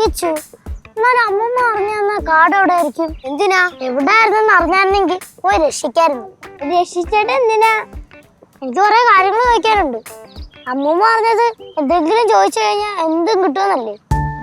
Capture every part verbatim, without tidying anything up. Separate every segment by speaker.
Speaker 1: കിച്ചു. എന്നാലും അമ്മമ്മ അറിഞ്ഞ കാട് എവിടെ ആയിരിക്കും? എന്തിനാ? എവിടെയായിരുന്നെന്ന് അറിഞ്ഞായിരുന്നെങ്കിൽ പോയി രക്ഷിക്കായിരുന്നു. രക്ഷിച്ചിട്ട് എന്തിനാ? എനിക്ക് കുറെ കാര്യങ്ങൾ ചോദിക്കാനുണ്ട്. അമ്മൂമ്മ പറഞ്ഞത് എന്തെങ്കിലും ചോദിച്ചു കഴിഞ്ഞാൽ എന്തും കിട്ടുമെന്നല്ലേ?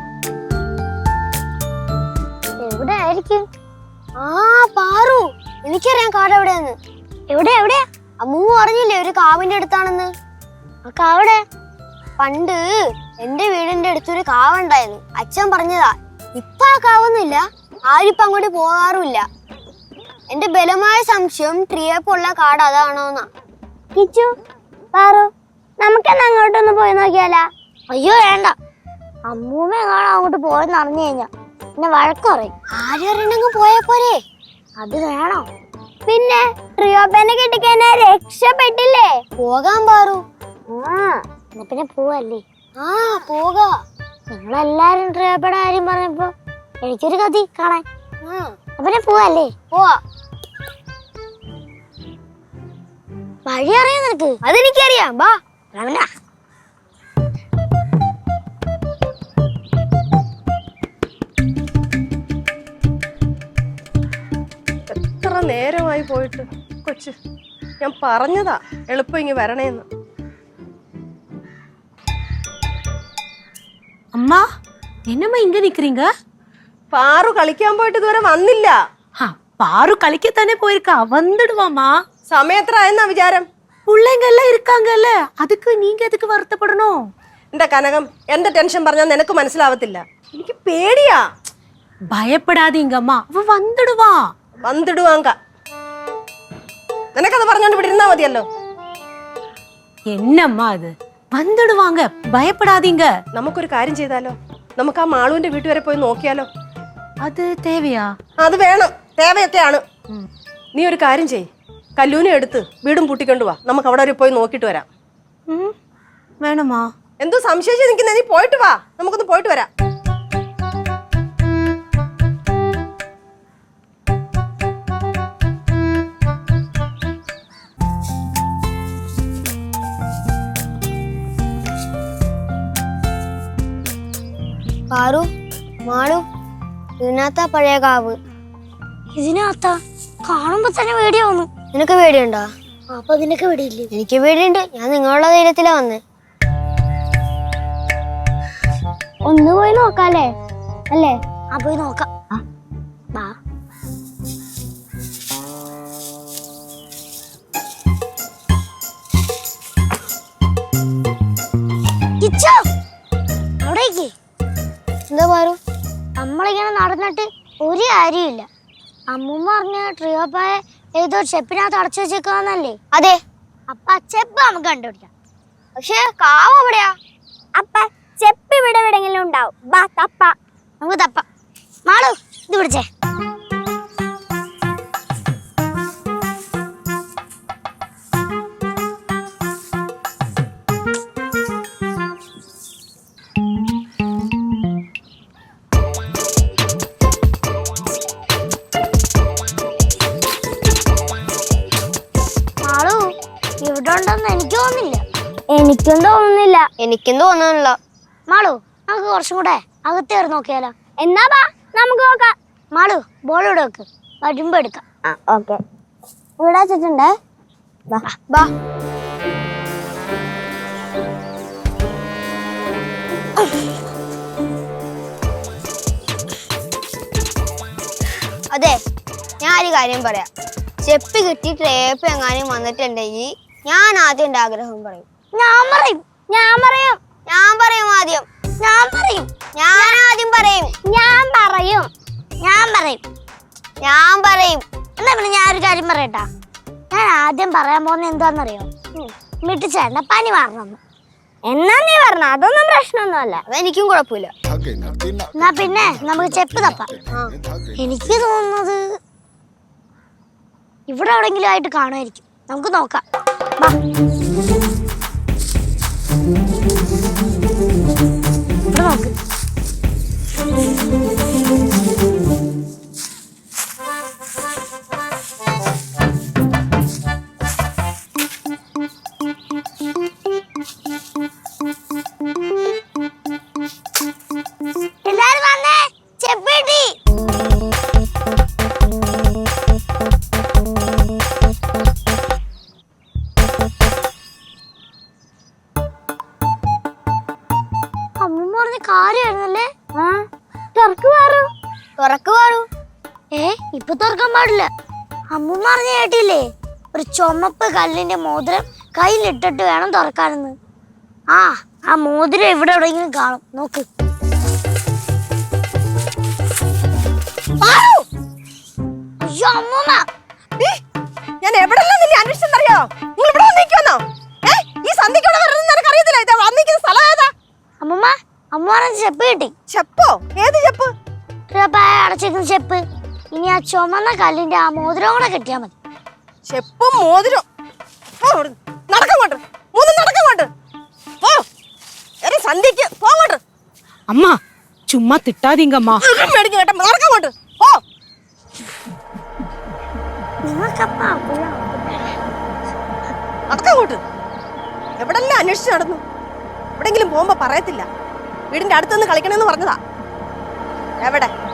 Speaker 1: എവിടെ ആയിരിക്കും? ആ പാറു, എനിക്കറിയാം കാട് എവിടെയാന്ന്. എവിടെ എവിടെയാ? അമ്മൂമ്മ പറഞ്ഞില്ലേ ഒരു കാവിന്റെ അടുത്താണെന്ന്. ആ കാവിടെ? പണ്ട് എന്റെ വീടിന്റെ അടുത്തൊരു കാവുണ്ടായിരുന്നു. അച്ഛൻ പറഞ്ഞതാ. ഇപ്പൊ ആ കാവൊന്നുമില്ല, ആരിപ്പം അങ്ങോട്ട് പോകാറുമില്ല. എന്റെ ബലമായ സംശയം ട്രിയപ്പുള്ള കാട് അതാണോന്നാ. കിച്ചു, പാറു, നമുക്കെന്നാ അങ്ങോട്ടൊന്ന് പോയി നോക്കിയാലാ? അയ്യോ വേണ്ട, അമ്മൂമ്മ എങ്ങാണോ അങ്ങോട്ട് പോയെന്ന് അറിഞ്ഞു കഴിഞ്ഞാ പിന്നെ വഴക്ക് പറയും. ആരും അറിയണമെങ്കിൽ പോയാ പോരെ? അത് വേണോ? പിന്നെ ട്രിയോപ്പനെ കിട്ടിക്കഴിഞ്ഞാ രക്ഷപ്പെട്ടില്ലേ? പോകാൻ പാറു. ആ എന്നാ പിന്നെ പോവല്ലേ? ആ പോകാ. നിങ്ങളെല്ലാരും ട്രിയോപ്പയുടെ കാര്യം പറഞ്ഞപ്പോ എനിക്കൊരു കഥ കാണാൻ. പിന്നെ പോവല്ലേ? പോവാ. വഴി അറിയാം നിനക്ക്? അതെനിക്കറിയാം. ബാ.
Speaker 2: എത്ര നേരമായി പോയിട്ട് കൊച്ച്, ഞാൻ പറഞ്ഞതാ എളുപ്പം ഇങ്ങ് വരണേന്ന്.
Speaker 3: அம்மா என்னம்மா இங்க நிக்கிறீங்க?
Speaker 2: പാറു കളിക്കാൻ പോയിട്ട് ഇതുവരെ വന്നില്ല.
Speaker 3: பாரு களிக்கத்தானே போயிருக்கா, வந்துடுவாமா.
Speaker 2: സമയത്രായെന്നാ വിചാരം?
Speaker 3: பிள்ளைங்க எல்லாம் இருக்காங்கல்ல, அதுக்கு நீங்க எதுக்கு வருத்தப்படணும்?
Speaker 2: എന്റെ കനകം, എന്റെ ടെൻഷൻ പറഞ്ഞാൽ നിനക്ക് മനസ്സിലാവത്തില്ല. എനിക്ക് പേടിയാ.
Speaker 3: பயப்படாதீங்கம்மா, அவ வந்துடுவா.
Speaker 2: വന്നിടുവാങ്ക. നിനക്കത് പറഞ്ഞോണ്ട് ഇവിടെ ഇരുന്നാ മതിയല്ലോ.
Speaker 3: என்னம்மா அது? வந்துடுவாங்க, பயப்படாதீங்க.
Speaker 2: നമുക്കൊരു കാര്യം ചെയ്താലോ? നമുക്ക് ആ മാളുവിന്റെ വീട്ടു വരെ പോയി നോക്കിയാലോ?
Speaker 3: അത് തേവയാ?
Speaker 2: അത് വേണം, തേവയൊക്കെയാണ്. നീ ഒരു കാര്യം ചെയ്, കല്ലൂനെ എടുത്ത് വീടും പൂട്ടിക്കൊണ്ടു വാ. നമുക്ക് അവിടെ വരെ പോയി നോക്കിട്ട് വരാം.
Speaker 3: വേണമാ?
Speaker 2: എന്തോ സംശയിച്ച് നിൽക്കുന്ന, നീ പോയിട്ട് വാ, നമുക്കൊന്ന് പോയിട്ട് വരാം.
Speaker 1: പാറു, മാളു, ഇതിനകത്താ പഴയ കാവ്. ഇതിനകത്താ? കാണുമ്പോ തന്നെ പേടിയാവുന്നു. നിനക്ക് പേടിയുണ്ടോ? അപ്പൊ നിനക്ക് പേടിയില്ലേ? എനിക്ക് പേടിയുണ്ട്. ഞാൻ നിങ്ങളുടെ ധൈര്യത്തിലാ വന്നേ. ഒന്ന് പോയി നോക്കാല്ലേ? അല്ലേ? ആ പോയി നോക്കാം. അവിടേക്ക് എന്താ പാറു? നമ്മളിങ്ങനെ നടന്നിട്ട് ഒരു കാര്യമില്ല. അമ്മൂമ്മ പറഞ്ഞ ട്രിയോപ്പായ ഏതോ ചെപ്പിനകത്ത് അടച്ചു വെച്ചേക്കാന്നല്ലേ? അതെ. അപ്പൊ ആ ചെപ്പ് നമുക്ക് കണ്ടുപിടിക്കാം. പക്ഷെ കാവ് എവിടെയാ? അപ്പ ചെപ്പ് ഇവിടെ എവിടെയെങ്കിലും ഉണ്ടാവും. ബാ തപ്പ, നമുക്ക് തപ്പ. മാളു, ഇത് പിടിച്ചേ. എനിക്ക് തോന്നുന്നില്ല. എനിക്കും തോന്നുന്നില്ല. എനിക്കും തോന്നുന്നില്ല. മാളു, നമുക്ക് കുറച്ചും കൂടെ അകത്തേറി നോക്കിയാലോ? എന്നാ ബാ, നമുക്ക് നോക്കാം. മാളു, ബോൾ ഇവിടെ വെക്ക്, വരുമ്പോ എടുക്കാം. ആ ഓക്കെ. ഇവിടെ വെച്ചിട്ടുണ്ടേ. ബാ. അതെ, ഞാൻ ഒരു കാര്യം പറയാം. ചെപ്പ് കിട്ടി ട്രേപ്പ് എങ്ങാനും വന്നിട്ടുണ്ടെങ്കിൽ ഞാൻ ആദ്യം എന്റെ ആഗ്രഹം പറയും. ഞാൻ പറയും. ഞാൻ പറയും. ഞാൻ പറയും ആദ്യം. ഞാൻ പറയും. ഞാൻ ആദ്യം പറയും. ഞാൻ പറയും. ഞാൻ പറയും. ഞാൻ പറയും. എന്താ പിന്നെ ഞാൻ ഒരു കാര്യം പറയട്ടാ. ഞാൻ ആദ്യം പറയാൻ പോകുന്ന എന്താന്നറിയോ? മിട്ടിച്ചേട്ട പനി മാറണമെന്ന്. എന്നാ നീ പറഞ്ഞ അതൊന്നും പ്രശ്നമൊന്നുമല്ല. അതെനിക്കും കുഴപ്പമില്ല. എന്നാ പിന്നെ നമുക്ക് ചെപ്പ് തപ്പാം. എനിക്ക് തോന്നുന്നത് ഇവിടെ എവിടെങ്കിലും ആയിട്ട് കാണുമായിരിക്കും. നമുക്ക് നോക്കാം. ഇവിടെ നോക്ക്. എല്ലാരും വന്നേ. അമ്മൂമ്മ പറഞ്ഞ കാര്യമായിരുന്നല്ലേ. തുറക്ക് പാറു, തുറക്ക് പാറു. ഏ ഇപ്പൊ തുറക്കാൻ പാടില്ല. അമ്മൂമ്മ പറഞ്ഞ കേട്ടില്ലേ, ഒരു ചുമപ്പ് കല്ലിന്റെ മോതിരം കയ്യിലിട്ടിട്ട് വേണം തുറക്കാനെന്ന്. ആ ആ മോതിരം എവിടെ എവിടെയെങ്കിലും കാണും, നോക്ക്. അയ്യോ അമ്മൂമ്മ,
Speaker 2: ഞാൻ എവിടെല്ലാം നിന്നെ അന്വേഷിച്ചെന്നറിയോ? നിങ്ങൾ ഇവിടെ വന്നിരിക്കുന്നോ? ഏ ഈ സന്ധിക്കോടെ വരുന്നത് നിനക്ക് അറിയത്തില്ല. ഇത് വന്നിരിക്കുന്ന സ്ഥലം ഏതാ?
Speaker 1: അമ്മൂമ്മ അമ്മ പറഞ്ഞ ചെപ്പ് കിട്ടി.
Speaker 2: ചെപ്പോ? ഏത് ചെപ്പ്?
Speaker 1: അടച്ചിരിക്കുന്ന ചെപ്പ്. ഇനി ആ ചുമന്ന കല്ലിന്റെ ആ മോതിരം കൂടെ കിട്ടിയാ മതി.
Speaker 2: ചെപ്പും മോതിരം. നടക്കങ്ങോട്ട്, മൂന്നും നടക്കങ്ങോട്ട്. പോ, സന്ധ്യക്ക് പോങ്ങോട്ട്.
Speaker 3: அம்மா சும்மா திட்டாதீங்கம்மா.
Speaker 2: മേടിക്കും കേട്ടോ, നടക്കങ്ങോട്ട് പോ. നടക്കങ്ങോട്ട്. എവിടെല്ലാം അന്വേഷിച്ച് നടന്നു. എവിടെങ്കിലും പോകുമ്പോ പറയത്തില്ല. വീടിന്റെ അടുത്തുനിന്ന് കളിക്കണമെന്ന് പറഞ്ഞതാ. എവിടെ?